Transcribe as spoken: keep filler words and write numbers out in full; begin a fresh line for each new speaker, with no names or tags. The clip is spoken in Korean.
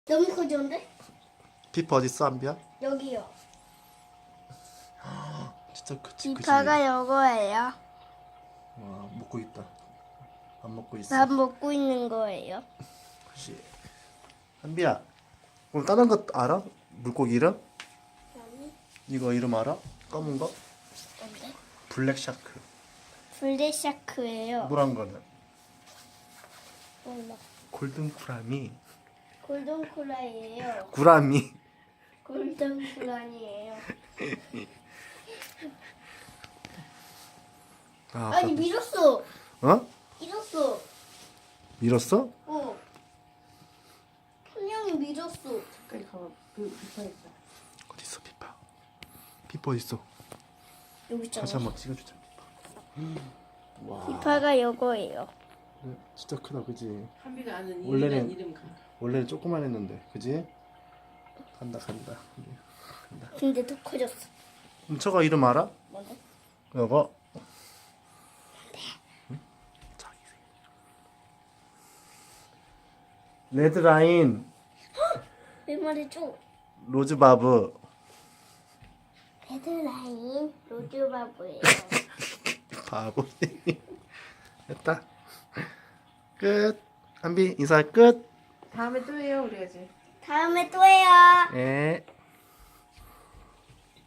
너무 커졌는데?
피파 어딨어 한비야?
여기요.
진짜 그치 그치.
비파가 요거예요.
와 먹고 있다. 안 먹고 있어.
밥 먹고 있는 거예요.
그치. 한비야. 그럼 다른 거 알아? 물고기 이름?
아니,
이거 이름 알아? 검은 거?
뭔데?
블랙 샤크.
블랙샤크예요.
노란 거는
몰라.
골든 쿠라미.
골든쿠라이예요.
구라미.
골든쿠라니예요.
아,
아니 밀었어.
어?
밀었어.
밀었어?
어. 분명히 밀었어.
가까이 가봐. 그 비파 있다.
어디 있어 피파? 피파 어디 있어?
여기 있잖아.
다시 한번 찍어주자. 와.
비파가 요거예요.
네, 진짜 크다, 그지?
한비가 아는
원래는-
이름이란 이름 가.
원래는 조그만 했는데, 그지? 간다, 간다. 간다.
근데 더 커졌어.
그럼 저거 이름 알아?
뭔데?
이거. 응? 자기 레드라인
왜 말해줘?
로즈바브.
헤드라인 로즈바브예요.
바보. 됐다. 끝. 한비 인사 끝.
다음에 또 해요 우리 아직.
다음에 또 해요.
네.